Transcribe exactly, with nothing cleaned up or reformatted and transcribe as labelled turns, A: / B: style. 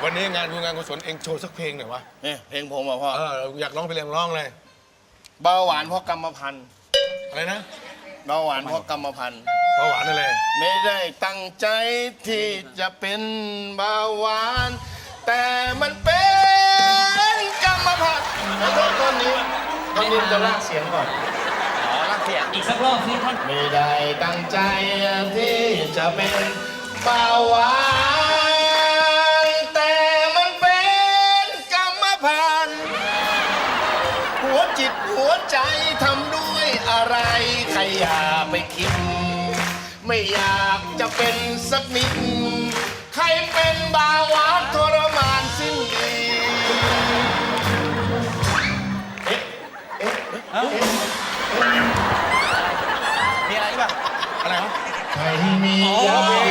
A: วันนี้งานบุญงานกุศลเองโชว์สักเพลงหน่อยวะ
B: เนี่ยเพลงผมอ่ะพ่อ
A: เอออยากร้องเพลงร้องเลย
B: เบาหวานเพราะกรรมพันธุ์
A: อะไรนะ
B: เบาหวานเพราะกรรมพันธุ์
A: เบาหวานอะไร
B: ไม่ได้ตั้งใจที่จะเป็นเบาหวาน แต่มันเป็นกรรมพันธุ์แล้วก็ต้นนี้ต้นนี้จะลากเสียงก่อน
C: อ๋อรักเสียง
D: อีกสักรอบสิท่าน
B: ไม่ได้ตั้งใจที่จะเป็นเบาหวานแต่มันเป็นกรรมพันธุ์หัวจิตหัวใจทำด้วยอะไรใครอย่าไปคิด ไม่อยากจะเป็นสักนิด ใครเป็นเบาหวานทรมานสิ้นดีเอ๊ะเอ๊ะเอ๊ะ
C: มีอะไรป่ะ
A: อะไรวะ
B: ใครมียาเว